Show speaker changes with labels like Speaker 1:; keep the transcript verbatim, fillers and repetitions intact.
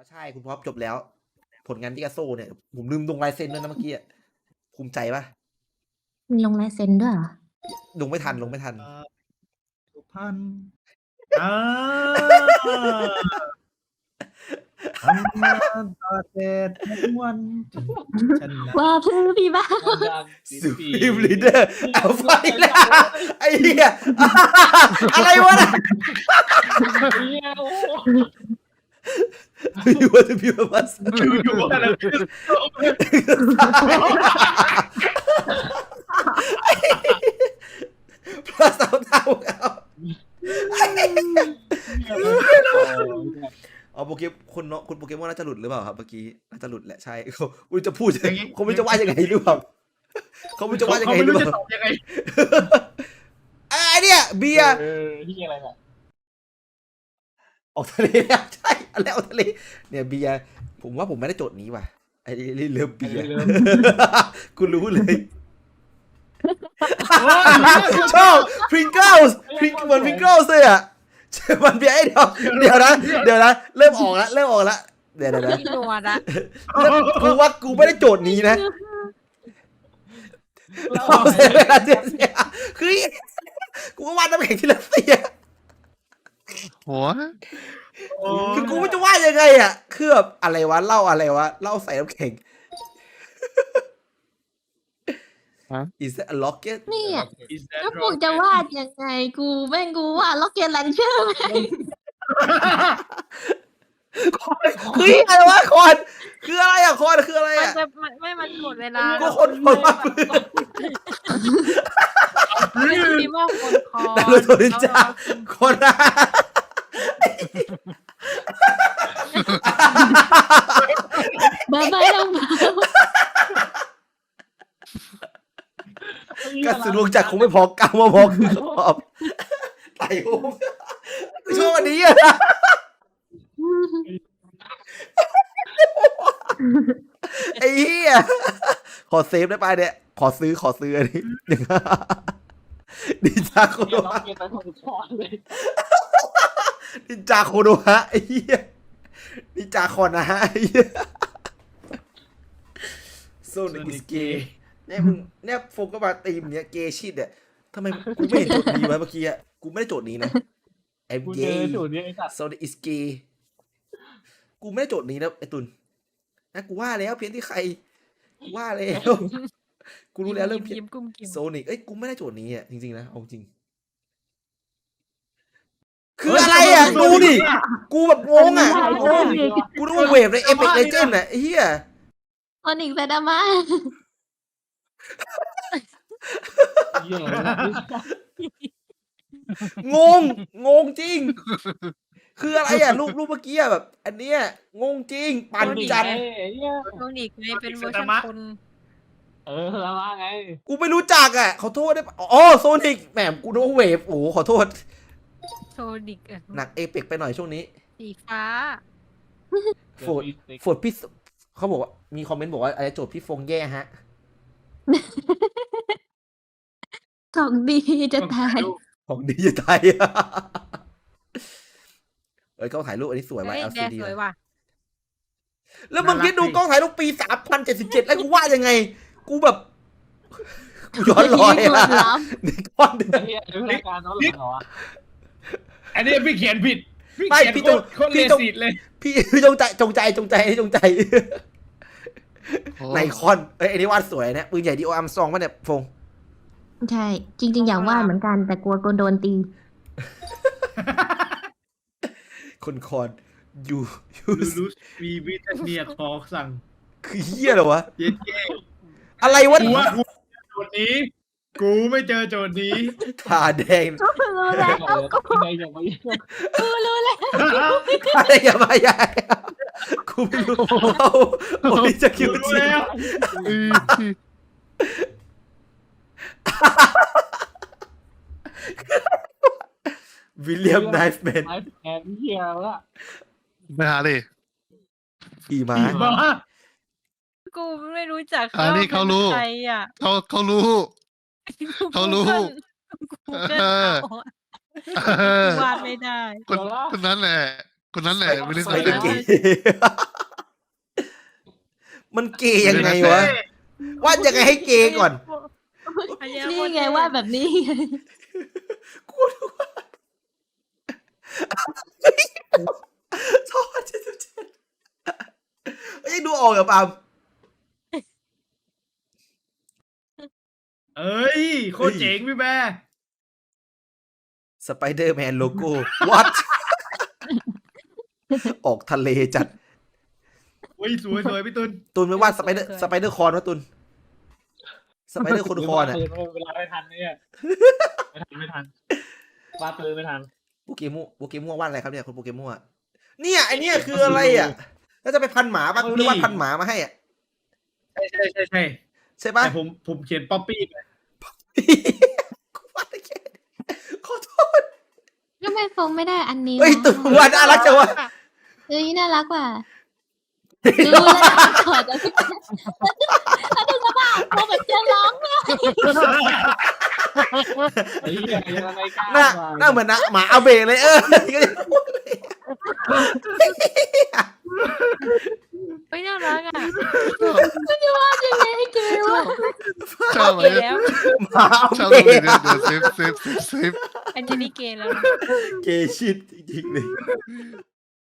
Speaker 1: ใช่คุณพบจบแล้ว ผลงานพิกาโซเนี่ยผมลืมลงลายเซ็นด้วยนะเมื่อกี้ภูมิใจปะ
Speaker 2: มีลงลายเซ็นด้วยเหรอ
Speaker 1: ลงไม่ทันลงไม่ทัน
Speaker 3: สุพรรณอ่าทำงานตากแดดทั้งวันฉันนะ
Speaker 2: ว่าพื้พี่บ้า
Speaker 1: สุพรีมลีดเดอร์เอาไฟแล้วไอ้เหี้ยอะไรวะน่ะยูว่าจะพิวมาส
Speaker 3: อยู่ๆอะไร
Speaker 1: พระสาวเท่าเอาเอาโปเกมคนเนาะคุณโปเกมอนน่าจะหลุดหรือเปล่าครับเมื่อกี้น่าจะหลุดแหละใช่เขาคุณจะพูดยังไงเขาไม่จะว่ายังไงหรือเปล่าเขาไม่จะว่ายังไง
Speaker 3: ไม่
Speaker 1: หรือ
Speaker 3: รู้
Speaker 1: เป
Speaker 3: จะ
Speaker 1: ล่า
Speaker 3: ตอบยังไง
Speaker 1: ไอ้เนี่ยเบียร์
Speaker 4: เออที่อะไรน่ะ
Speaker 1: ออกทะเลแล้วใช่อะไรออกทะเลเนี่ยเบียร์ผมว่าผมไม่ได้โจทย์นี้ว่ะไอ้เรือเบียร์กูรู้เลยชอบพริงเกิลส์พริงเหมือนพริงเกิลส์เลยอ่ะมันเบียร์ไอ้เดียวเดี๋ยวนะเดี๋ยวนะเริ่มออกแล้วเริ่มออกแล้วเดี๋ยวเดี๋ยวนะ
Speaker 5: พี่หนวดอะ
Speaker 1: แล้วกูว่ากูไม่ได้โจทย์นี้นะคือกูก็วาดน้ำแข็งที่รัสเซีย
Speaker 6: หัว
Speaker 1: คือกูไม่จะว่ายังไงอ่ะคือแบบอะไรวะเล่าอะไรวะเล่าใส่น้ำแข็ง Is that a rocket
Speaker 2: เนี่ย
Speaker 3: Is that
Speaker 2: แล้วกูจะวาดยังไงกูแม่งกูวาดล็อกเก็ตแลนเชอร์
Speaker 1: เฮ้ยอะไรวะคอนคืออะไรอ่ะคอนคืออะไร
Speaker 5: มัน
Speaker 1: อ่ะ
Speaker 5: จะมันไม่มันหมดเวลา
Speaker 1: ก็คนคนว่าปืน
Speaker 5: ไม่ใช่พี่ว่าคนคอ
Speaker 1: นารูโตะนินจาคนละ
Speaker 2: บ้าบ้าลงมาก
Speaker 1: ระสุนวงจักรคงไม่พอกำมาพอคือขอบไต่หูกูชอบอันนี้อ่ะไอ้เหี้ยขอเซฟได้ป่ะเนี่ยขอซื้อขอซื้ออันนี้ดินจาโคโน
Speaker 4: เดี๋ยวเรา
Speaker 1: ฮะ
Speaker 4: เก็บไปคนชอนเลย
Speaker 1: ดินจาโคโนฮะไอ้เหี้ยดินจาคอนนะฮะไอ้เหี้ยโซนิกอิสเกย์เนี่ยมึงเนี่ยโฟกัสมาตีมเนี่ยเกย์ชิดเนี่ยทำไมกูไม่เห็นโจทย์นี้วะเมื่อกี้อ่ะกูไม่ได้โจทย์นี้นะไอ้
Speaker 4: กู
Speaker 1: เก
Speaker 4: เจอ
Speaker 1: ย์
Speaker 4: สูตรนี้ไอ้สัตว์
Speaker 1: โซนิกอิสเกย์กูไม่ได้โจทย์นี้นะไอ้ตุนนะกูว่าแล้วเพี้ยนที่ใครกูว่าแล้วกูรู้แล้วเริ่มเพี้ยน
Speaker 5: ยิ้มกุ้มกิ่ม
Speaker 1: โซนิกเอ้ยกูไม่ได้โจทย์นี้อ่ะจริงๆนะเอาจริงคืออะไรอ่ะดูดิกูแบบงงอ่ะงงกูนึกว่าเวฟในเอพิกเลเจนด์อ่ะไอ้เหี้ย
Speaker 2: โอนิกเซดามา
Speaker 4: เหี้ยอะไรวะ
Speaker 1: งงงงจริง คืออะไรอ่ะรูปรูปเมื่อกี้อ่ะแบบ อันเนี้ยงงจริงปั่นจัด
Speaker 4: ไอ้เหี้ย
Speaker 5: โซนิกไงเป็นเวอร์ชันคน
Speaker 4: เออแล้วว่าไง
Speaker 1: กูไม่รู้จักอ่ะขอโทษได้ปะอ๋อโซนิกแหมกูนึกว่าเวฟโอ้โหขอโทษ
Speaker 5: โซนิกอะ
Speaker 1: หนักเอพิกไปหน่อยช่วงนี้
Speaker 5: สีฟ้า
Speaker 1: โฟดโฟดพี่เขาบอกว่ามีคอมเมนต์บอกว่าอะไรโจทย์พี่ฟงแย่ฮะ
Speaker 2: ของดีจะตาย
Speaker 1: ของดีจะตายเอ้ยกล้องถ่ายรูปอันนี้สวยว่ะ
Speaker 5: เฮ้ย
Speaker 1: แอล
Speaker 5: แด
Speaker 1: ซี
Speaker 5: ง
Speaker 1: ดี
Speaker 5: สวยว่ะ
Speaker 1: แล้วมึงคิดดูกล้องถ่ายรูปปีสามพันเจ็ดสิบเจ็ดแล้วกูว่ายังไง กูแบบกูย้อนรอย
Speaker 2: นี่
Speaker 1: อะ
Speaker 2: คือล้
Speaker 1: ในก้อนเดือ
Speaker 4: ไอ้
Speaker 1: น
Speaker 4: เหี้ยดูรายการน้องหลังเหรอวะ
Speaker 3: อันนี้พี่เขียนผิดพี่
Speaker 1: ไม่
Speaker 3: เขียน
Speaker 1: พี่
Speaker 3: โค
Speaker 1: จง
Speaker 3: ตรโคตร
Speaker 1: พี่
Speaker 3: เล
Speaker 1: จง
Speaker 3: สิตเลย
Speaker 1: พี่พี่จงใจจงใจจงใจจงใจในคอนเอ้ยอันนี้วาดสวยเนี่ยปืนใหญ่ดีโออัมซองป่ะเนี่ยฟง
Speaker 2: ใช่ จริง ๆ อยากวาดเหมือนกัน แต่กลัวโดนตี
Speaker 1: คนคอนยูยู
Speaker 3: ลูลูสวีวิทเนียคอสั่ง
Speaker 1: คือเฮียเหรอวะ
Speaker 3: เย็ดเก้
Speaker 1: อะไรวะ
Speaker 3: กูว่ากูโจทย์นี้ กูไม่เจอโจทย์นี้
Speaker 1: ทาแดง
Speaker 2: รู้แล้ว
Speaker 4: ที่ไหนอย่างไร
Speaker 2: กูรู้แล้ว
Speaker 1: ทาแดงอย่ามาใหญ่กูไม่รู้เอาโอ้ยจะคิว
Speaker 3: รู้
Speaker 1: จริง
Speaker 3: แล้ว
Speaker 1: วิลเลียมไนฟ์แมน
Speaker 4: ไอ้แอนเหี้ยละ
Speaker 6: ไปหาดิ
Speaker 1: ขี่ม้า
Speaker 3: มา
Speaker 5: กูไม่รู้จัก
Speaker 6: อันนี้เขารู้
Speaker 5: ใครอ่ะ
Speaker 6: เขาเขารู้ เขารู้
Speaker 5: กูเกิลเอาอะ
Speaker 6: เออ
Speaker 5: กูวาดไม่ได้
Speaker 6: คนคนนั้นแหละคนนั้นแหละไม่ได้
Speaker 1: ส
Speaker 6: ใส่
Speaker 1: ไปเดอร์เกย์ มันเกย์ยังไงวะวาดยังไงให้เกย์ก่อน
Speaker 2: นี่ไงว่าแบบนี้ไง
Speaker 1: กูดูว่าชอบเจ็ดสิบเจ็ดเฮ้ยดูออกกับปาล์ม
Speaker 3: เอ้ยโคตรเจ๋งพี่แม่
Speaker 1: สไปเดอร์แมนโลโก้ วัด ออกทะเลจัด
Speaker 3: อุ้ยสวยสวยพี่ตุน
Speaker 1: ตุนไม่วาดสไปเดอร์สไปเดอร์คอนวะตุนสไปเดอร์คนคอนอ่ะ
Speaker 4: เวลาไม่ทันเนี่ยไม่ทันไม่ทันวาดปืนไม่ทัน
Speaker 1: โปเกมอนโปเกมอนวาดอะไรครับเนี่ยคุณโปเกมอนเนี่ยไอเนี้ยคืออะไรอ่ะแล้วจะไปพันหมาป่ะหรือวาดพันหมามาให้อ่ะ
Speaker 3: ใช่ใช่ใช่ใช่
Speaker 1: ใช่ป่ะ
Speaker 3: แต่ผมผมเขียนป๊อปปี้ไป
Speaker 1: กูวาดได้แค่นี้ขอโทษ
Speaker 2: ทำไมโฟมไม่ได้อันนี้
Speaker 1: เฮ้ยตุนวาดน่ารักจังวะ
Speaker 2: เอ้ยน่ารักว่ะรู้แล้วนะขอจะพี่แล้วดูสภาพโฟมแบบจะร้องเนี่ย
Speaker 4: ไอ้เหี้ยยังไงกล้า
Speaker 1: หน้าหน้าเหมือนนะหมาเอาเบรเลยเออ
Speaker 5: ไม่น่ารักอ่ะ
Speaker 2: ยังไงให้เกย์วะ
Speaker 6: ชอบไหม
Speaker 5: เกย์แล้ว
Speaker 1: หมาเอา
Speaker 6: ชอบ
Speaker 1: เบ
Speaker 6: เล
Speaker 1: ร
Speaker 6: ยเดี๋ยวเดี๋ยวเซฟเซฟเซฟเซฟ
Speaker 5: อันนี้เกย์แล้วนะ
Speaker 1: เกย์ชิดจริงๆเลย